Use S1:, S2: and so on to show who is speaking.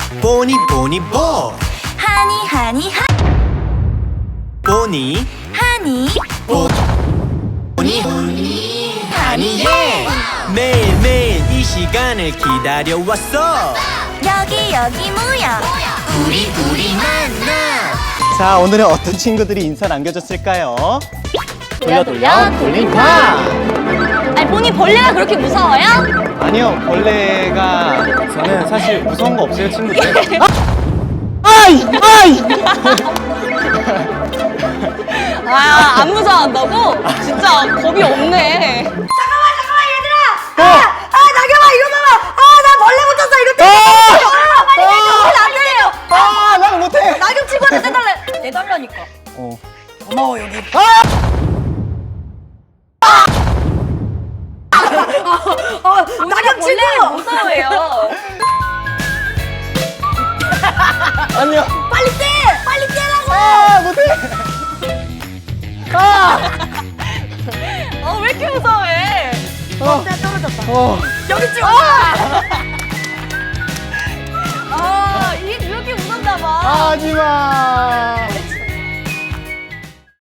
S1: 보니 보니 보
S2: 하니 하니 하
S1: 보니
S2: 하니
S1: 보니 하니 예 매일매일 이 시간을 기다려왔어
S2: 여기 여기 모여
S1: 우리 만나
S3: 자, 오늘은 어떤 친구들이 인사 남겨줬을까요?
S2: 돌려
S3: 돌림판!
S2: 아니 본인 벌레가 그렇게 무서워요?
S3: 아니요, 벌레가 저는 사실 무서운 거 없어요, 친구들. 아이!
S2: 아, 안 무서워한다고? 진짜 겁이 없네. 잠깐만 얘들아! 나경아 이거 봐봐! 나 벌레 붙었어 이거 떼! 빨리 떼줘! 안 돼요!
S3: 아, 나는 못해!
S2: 나경 친구한테 떼달래! 떼달라니까. 고마워 여기. 나경 친구! 무서워해요.
S3: 아니요.
S2: 빨리 떼! 빨리 떼라고!
S3: 아, 못해!
S2: 왜 이렇게 무서워해?
S3: 떨어졌다.
S2: 여기 찍어! 이게 이렇게 무섭나 봐.
S3: 하지마!